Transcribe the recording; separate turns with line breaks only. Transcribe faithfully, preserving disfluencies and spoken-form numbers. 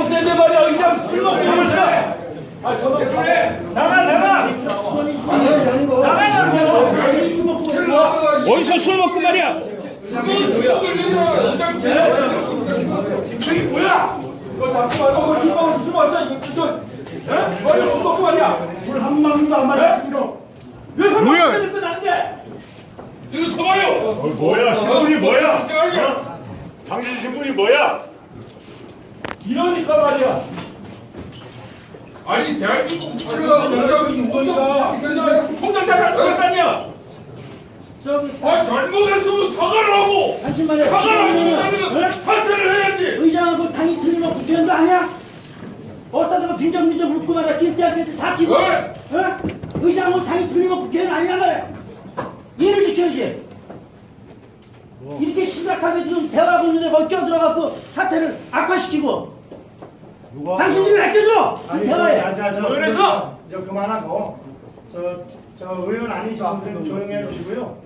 잘못됐는데 말이야. 그냥 술 먹고 그러지. 아, 저도 그래. 나가, 나가. 나가, 술 먹고. 어디서 술 먹고 말이야? 저기 뭐야? 이거 잡고 말고 술 먹어서 술 마셔. 이거 진짜. 에? 빨리 술 먹고 말이야.
술 한 방울도 안 마셨습니다.
왜 술 먹고 그랬어 나는데? 이거 서봐요.
어, 뭐야? 신분이 뭐야? 어? 당신 신분이 뭐야?
이러니까 말이야.
아니 대한민국 사회가 뭐라고
거니까 통장자를 그럴 거 아니야. 아 잘못했으면 사과를 하고
당신만의
사과를 하고 사퇴를 해야지.
의장하고 당이 틀리면 국회의원 거 아니야? 어디다가 빈정빈정 묻고 말이야. 김태한테 다 치고.
왜?
어? 의장하고 당이 틀리면 국회의원 아니야 말이야. 이를 지켜야지. 이렇게 심각하게 지금 대화하고 있는데 거기 껴들어갖고 사태를 악화시키고.
누가?
당신들이 왜 껴들어? 이
아니,
대화에.
저, 저, 저,
그래서?
저 그만하고 저, 저 의원 아니신 분들은 조용히 해주시고요.